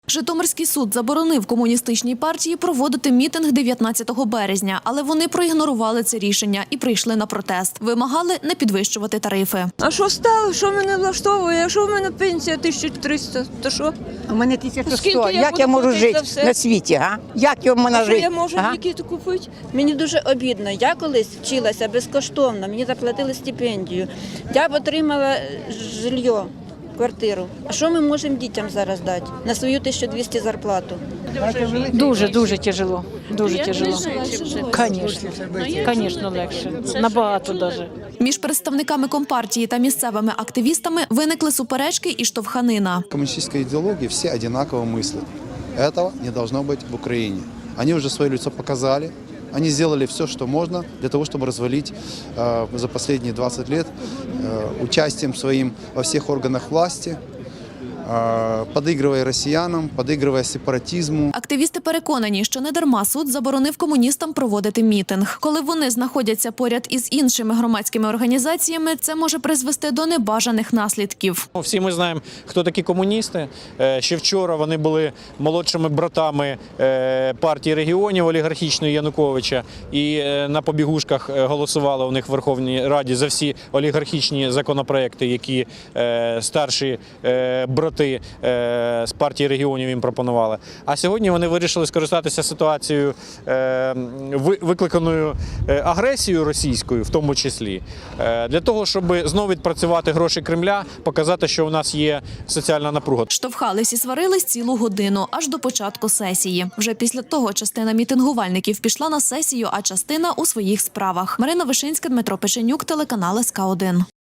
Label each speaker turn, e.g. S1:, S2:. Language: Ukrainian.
S1: Житомирський суд заборонив комуністичній партії проводити мітинг 19 березня, але вони проігнорували це рішення і прийшли на протест. Вимагали не підвищувати тарифи.
S2: А що стало? Що мене влаштовує? А що в мене пенсія 1300? То що?
S3: У мене 1100.
S2: Скільки я
S3: Як
S2: буду
S3: я можу
S2: платити
S3: жити
S2: за все?
S3: на світі, га? Як я можу
S2: Що
S3: жити?
S2: я можу
S3: га?
S2: ліки купити? Мені дуже обідно. Я колись вчилася безкоштовно, мені заплатили стипендію. Я б отримала жилье, квартиру. А що ми можемо дітям зараз дати на свою 1200 зарплату?
S4: Дуже тяжело. Дуже тяжело. Звісно, легше. Набагато навіть.
S1: Між представниками Компартії та місцевими активістами виникли суперечки і штовханина.
S5: Коммунистической идеологии все одинаково мыслят. Этого не должно быть в Украине. Они уже свое лицо показали. Они сделали все, что можно для того, чтобы развалить за последние 20 лет участием своим во всех органах власти, подыгрывая россиянам, подыгрывая сепаратизму.
S1: Активісти переконані, що недарма суд заборонив комуністам проводити мітинг. Коли вони знаходяться поряд із іншими громадськими організаціями, це може призвести до небажаних наслідків.
S6: Всі ми знаємо, хто такі комуністи. Ще вчора вони були молодшими братами партії регіонів олігархічної Януковича і на побігушках голосували у них в Верховній Раді за всі олігархічні законопроекти, які старші брати з партії регіонів їм пропонували. А сьогодні вони вирішили скористатися ситуацією, викликаною агресією російською, в тому числі, для того, щоб знову відпрацювати гроші Кремля, показати, що у нас є соціальна напруга.
S1: Штовхались і сварились цілу годину, аж до початку сесії. Вже після того частина мітингувальників пішла на сесію, а частина – у своїх справах. Марина Вишинська, Дмитро Печенюк, телеканал СК1.